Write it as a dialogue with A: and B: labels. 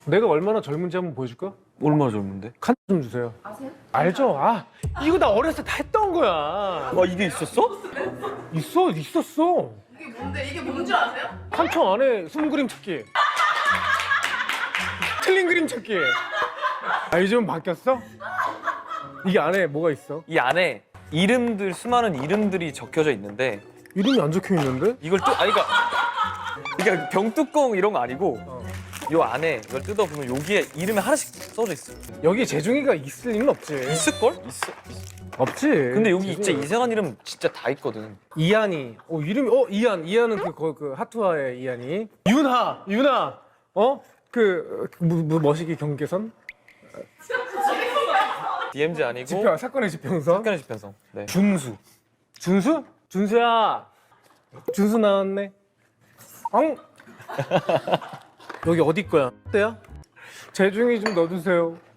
A: 내가 얼마나 젊은지 한번 보여줄까?
B: 얼마나 젊은데?
A: 칸 좀 주세요.
C: 아세요?
A: 알죠? 아, 이거 나 어렸을 때 다 했던 거야.
B: 아 이게 있었어?
A: 있었어.
C: 이게 뭔데? 이게 뭔 줄 아세요?
A: 칸청 안에 숨 그림 찾기. 틀린 그림 찾기. 아, 요즘 바뀌었어? 이게 안에 뭐가 있어?
B: 이 안에 이름들 수많은 이름들이 적혀져 있는데
A: 이름이 안 적혀 있는데?
B: 이걸 또 아니 그러니까 병뚜껑 이런 거 아니고 요 안에 이걸 뜯어보면 여기에 이름이 하나씩 써져 있어.
A: 여기 재중이가 있을 리는 없지.
B: 있을걸? 있어.
A: 없지.
B: 근데 여기 진짜
A: 재중이가.
B: 이상한 이름 진짜 다 있거든.
A: 이한이. 이름이 이한은 그 하투아의 이한이. 윤하. 머시기 경계선?
B: DMZ 아니고
A: 사건의 지평선.
B: 사건의 지평선. 네.
A: 준수. 준수야. 준수 나왔네. 엉. 여기 어디 거야? 때야? 재중이 좀 넣어주세요.